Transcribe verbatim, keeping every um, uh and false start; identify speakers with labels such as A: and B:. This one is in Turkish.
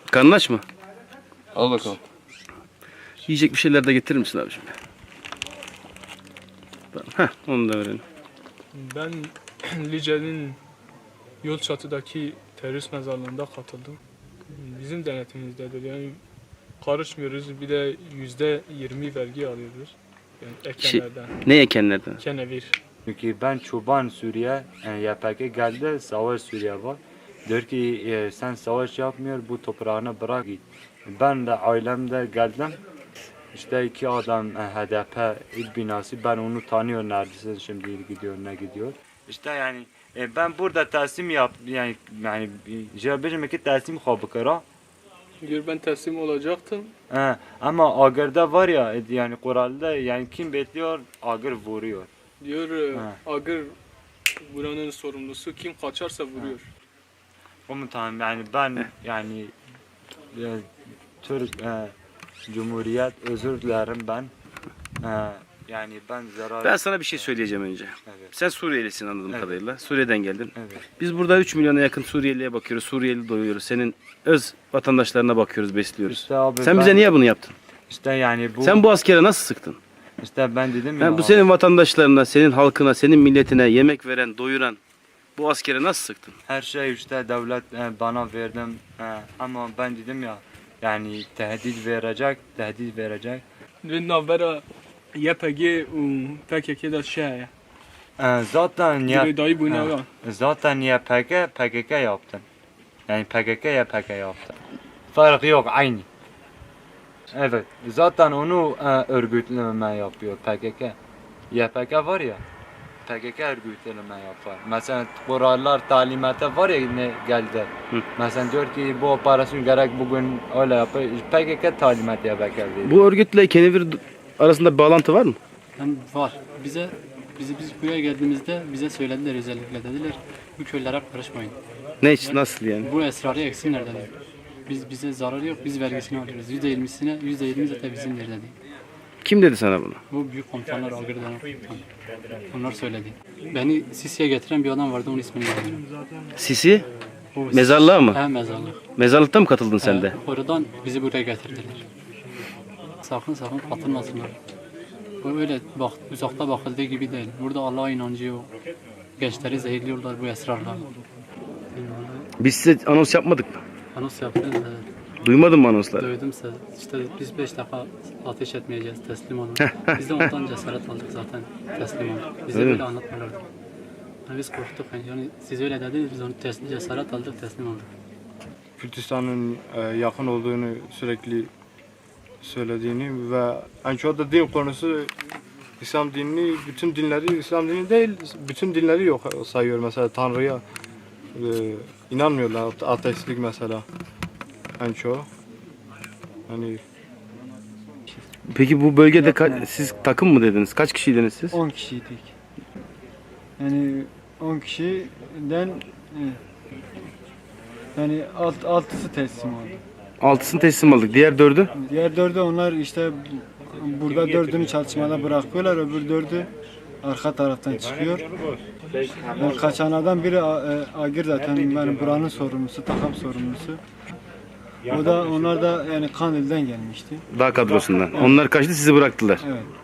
A: Karnın aç mı?
B: Al bakalım.
A: Yiyecek bir şeyler de getirir misin abi şimdi? Tamam. Heh, onu da verelim.
C: Ben Lice'nin yol çatıdaki terörist mezarlığında katıldım. Bizim denetimimizdedir. Yani karışmıyoruz. Bir de yüzde yirmi vergi alıyoruz. Yani ekenlerden.
A: Ne ekenlerden?
C: Kenevir.
D: Çünkü ben çoban Suriye, yani Y P G geldi, savaş Suriye var. Diyor ki e, sen savaş yapmıyor, bu toprağını bırak git. Ben de ailemde geldim. İşte iki adam e, H D P il binası, ben onu tanıyorum neredeyse, şimdi gidiyor ne gidiyor. İşte yani e, ben burada teslim yap, yani yani jabir ki teslim kabukara.
C: Diyor ben teslim olacaktım.
D: He, ama Agır'da var ya, e, yani Kural'da yani kim bekliyor, Agır vuruyor.
C: Diyor e,
D: Ha.
C: Agır buranın sorumlusu, kim kaçarsa vuruyor.
D: Komutanım yani ben yani e, Türk e, Cumhuriyet, özür dilerim ben. E, yani ben zarar...
A: Ben sana bir şey söyleyeceğim önce.
D: Evet.
A: Sen Suriyelisin anladığım
D: Evet.
A: kadarıyla. Suriye'den geldin.
D: Evet.
A: Biz burada üç milyona yakın Suriyeli'ye bakıyoruz. Suriyeli doyuyoruz. Senin öz vatandaşlarına bakıyoruz, besliyoruz.
D: İşte abi
A: Sen
D: ben-
A: bize niye bunu yaptın?
D: İşte yani bu...
A: Sen bu askere nasıl sıktın?
D: İşte ben dedim ya...
A: Yani bu senin vatandaşlarına, senin halkına, senin milletine yemek veren, doyuran bu askere nasıl sıktın?
D: Her şey işte devlet e, bana verdim. E, ama ben dedim ya yani tehdit verecek, tehdit verecek.
C: Ve navbera Y P G u P K K'da şey.
D: E, zaten ya...
C: Diyor dayı bu ne
D: Ha.
C: var?
D: Zaten Y P G, P K K yaptım. Yani P K K ya P K K yaptım. Fark yok, aynı. Evet, zaten onu e, örgütleme yapıyor P K K. Y P K var ya, P K K örgütleme yapar. Mesela kurallar, talimatı var ya ne geldi.
A: Hı.
D: Mesela diyor ki bu operasyon gerek bugün öyle yapar. P K K talimatı yapar.
A: Bu örgütle Kenevir arasında bir bağlantı var mı?
E: Hem var. Bize bizi biz buraya geldiğimizde bize söylediler, özellikle dediler bu köylere karışmayın.
A: Ne için, nasıl yani?
E: Bu esrarı eksinler dediler. Biz bize zararı yok, biz vergisini alıyoruz. Yüzde yirmisine, yüzde yirmi zaten bizimdir dedi.
A: Kim dedi sana bunu?
E: Bu büyük komutanlar, Agır denen komutan. Onlar söyledi. Beni Sisi'ye getiren bir adam vardı, onun ismini bilmiyorum.
A: Sisi?
E: O Sis-
A: Mezarlığa mı?
E: He, mezarlık.
A: Mezarlıkta mı katıldın sen de?
E: He, oradan bizi buraya getirdiler. Sakın sakın katılmasınlar. Bu öyle bak, uzakta bakıldığı gibi değil. Burada Allah'a inancı yok. Gençleri zehirliyorlar bu esrarla.
A: Biz size anons yapmadık mı?
E: Anons yaptınız da
A: Duymadın mı anonsları?
E: duydum size. İşte biz beş defa ateş etmeyeceğiz, teslim olun. Biz de ondan cesaret aldık zaten, teslim olduk. Bize
A: Öyle
E: böyle
A: mi?
E: anlatmıyorlardı. Yani biz korktuk. Yani, yani siz öyle dediniz, biz onu tes- cesaret aldık, teslim olduk.
F: Kürtistan'ın e, yakın olduğunu sürekli söylediğini ve en çok da din konusu İslam dinini, bütün dinleri İslam dini değil, bütün dinleri yok sayıyor mesela Tanrı'ya e, inanmıyorlar, ateistlik mesela en çok. Hani
A: Peki bu bölgede ka- siz takım mı dediniz? Kaç kişiydiniz siz?
G: on kişiydik. Yani on kişiden e, yani alt, altısı teslim oldu.
A: Altısını teslim aldık. Diğer dördü?
G: Diğer dördü onlar işte burada dördünü çalışmada bırakıyorlar, öbür dördü arka taraftan çıkıyor. Yani kaçan adam biri A- e, Agir zaten benim buranın sorumlusu, takım sorumlusu. O da onlar da yani Kandil'den gelmişti.
A: Dağ kadrosundan. Onlar kaçtı, sizi bıraktılar.
G: Evet.